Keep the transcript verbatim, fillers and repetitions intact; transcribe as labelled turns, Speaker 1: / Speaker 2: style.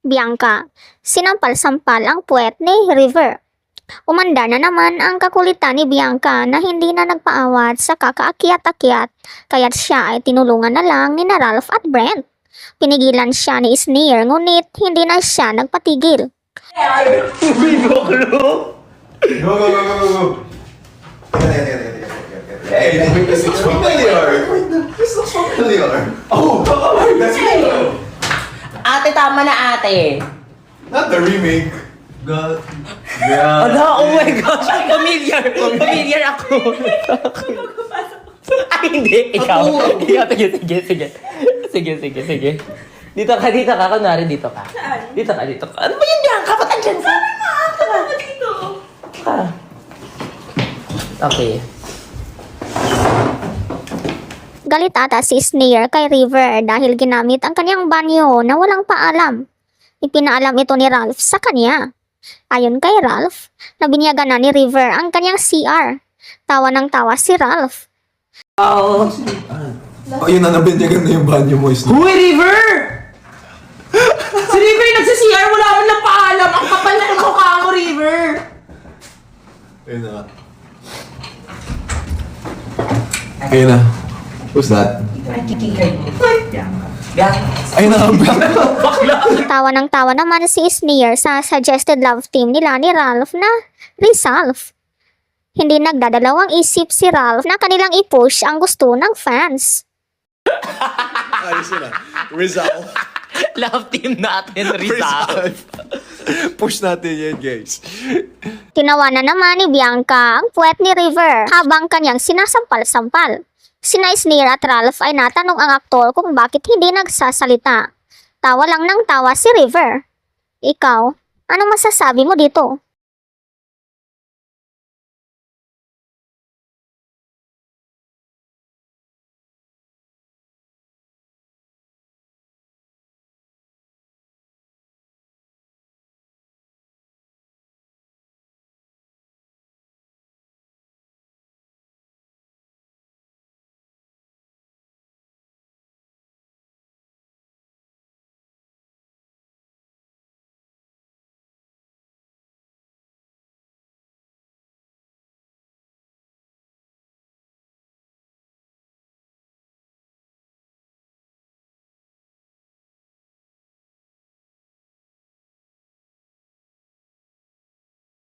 Speaker 1: Bianca, sinampal-sampal ang puwet ni River. Umanda na naman ang kakulitan ni Bianca na hindi na nagpaawat sa kakaakyat-akyat kaya't siya ay tinulungan na lang ni na Ralph at Brent. Pinigilan siya ni Sneer ngunit hindi na siya nagpatigil.
Speaker 2: Go, go, go, go, go, go. Hey, this looks familiar. This looks familiar. Oh, that's me.
Speaker 3: Ate, tama na ate.
Speaker 2: Not the remake. God.
Speaker 3: Ala, oh my gosh, familiar. Familiar ako. Ay, hindi. Ikaw. Ikaw, sige, sige, sige. Sige, sige, sige. Dito ka, dito ka. Kunwari, dito ka.
Speaker 4: Saan?
Speaker 3: Dito ka, dito ka. Ano ba yun yan? Kapat andyan sa...
Speaker 4: Sabi nga, tama mo dito.
Speaker 3: Ka. Okay.
Speaker 1: Galit ata si Sneer kay River dahil ginamit ang kanyang banyo na walang paalam. Ipinaalam ito ni Ralph sa kanya. Ayon kay Ralph, nabinyagan na ni River ang kanyang C R. Tawa ng tawa si Ralph.
Speaker 3: Oh.
Speaker 2: Oh, yun na, nabinyagan na yung banyo mo.
Speaker 3: Huy, River! Si River nagsa-C R, wala akong napaalam. Ang kapal na ng mukha mo, River.
Speaker 2: Ayun na. Ayun na. Who's that? Ayun na.
Speaker 1: Tawa ng tawa naman si Sneer sa suggested love team nila ni Ralph na Rizalph. Hindi nagdadalawang isip si Ralph na kanilang i-push ang gusto ng fans.
Speaker 2: Ayos yun ah. Rizal.
Speaker 3: Love team natin, Rizal.
Speaker 2: Push natin yan, guys.
Speaker 1: Tinawanan naman ni Bianca ang puwet ni River habang kanyang sinasampal-sampal. Sina Sneer at Ralph ay natanong ang aktor kung bakit hindi nagsasalita. Tawa lang ng tawa si River. Ikaw, anong masasabi mo dito?